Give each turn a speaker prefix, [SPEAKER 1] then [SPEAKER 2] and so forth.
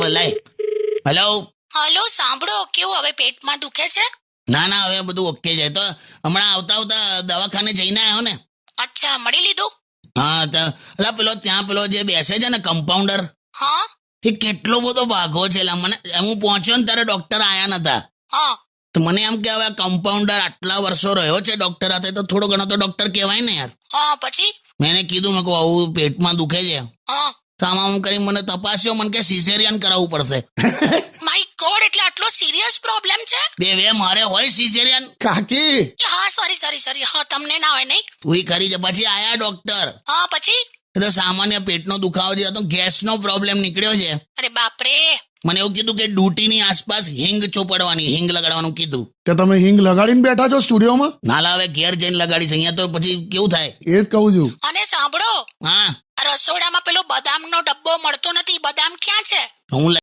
[SPEAKER 1] લાય. Hello.
[SPEAKER 2] Hello, સાંભળો, કેવું હવે પેટમાં દુખે છે?
[SPEAKER 1] ના ના, હવે બધું ઓકે છે. તો હમણાં આવતા દવાખાને જઈને આવ્યો ને.
[SPEAKER 2] અચ્છા, મળી લીધું?
[SPEAKER 1] હા, તો અલા પેલો ત્યાં પેલો જે બેસે છે ને કમ્પાઉન્ડર,
[SPEAKER 2] હા
[SPEAKER 1] એ કેટલો બધો ભાગો છે. મને હું પહોંચ્યો ને ત્યારે ડોક્ટર આયા નતા.
[SPEAKER 2] હા
[SPEAKER 1] તો મને એમ કે હવે કમ્પાઉન્ડર આટલા વર્ષો રહ્યો છે ડોક્ટર હાથે, તો થોડો ઘણો તો ડોક્ટર કહેવાય ને યાર.
[SPEAKER 2] હા પછી?
[SPEAKER 1] મેં કીધું, મેં કહું આવું પેટમાં દુખે છે.
[SPEAKER 2] હા.
[SPEAKER 1] તો આમાં હું કરી મને તપાસ્યો, મને કે સિઝેરિયન કરાવવું પડશે.
[SPEAKER 2] માય ગોડ, એટલે આટલો સિરિયસ પ્રોબ્લેમ છે?
[SPEAKER 1] બે મારે હોય સિઝેરિયન?
[SPEAKER 3] કાકી
[SPEAKER 2] હા, સોરી, હા, તમને ના હોય નહીં?
[SPEAKER 1] તું કરી છે. પછી આયા ડોક્ટર.
[SPEAKER 2] હા પછી?
[SPEAKER 1] એ તો સામાન્ય પેટનો દુખાવો છે, તો ગેસનો પ્રોબ્લેમ નીકળ્યો છે.
[SPEAKER 2] અરે બાપરે.
[SPEAKER 1] મને એવું કીધું કે ડ્યુટીની આસપાસ હિંગ ચોપડવાની, હિંગ લગાડવાનું કીધું.
[SPEAKER 3] કે તમે હિંગ લગાડીને બેઠા છો સ્ટુડિયોમાં?
[SPEAKER 1] નાલા હવે ઘેર જઈને લગાડીશ, અહીંયા તો પછી કેવું થાય.
[SPEAKER 3] એ જ કહું છું.
[SPEAKER 2] અને સાંભળો,
[SPEAKER 1] હા,
[SPEAKER 2] આ રસોડામાં પેલો બદામનો ડબ્બો મળતો નથી, બદામ ક્યાં છે?
[SPEAKER 1] હું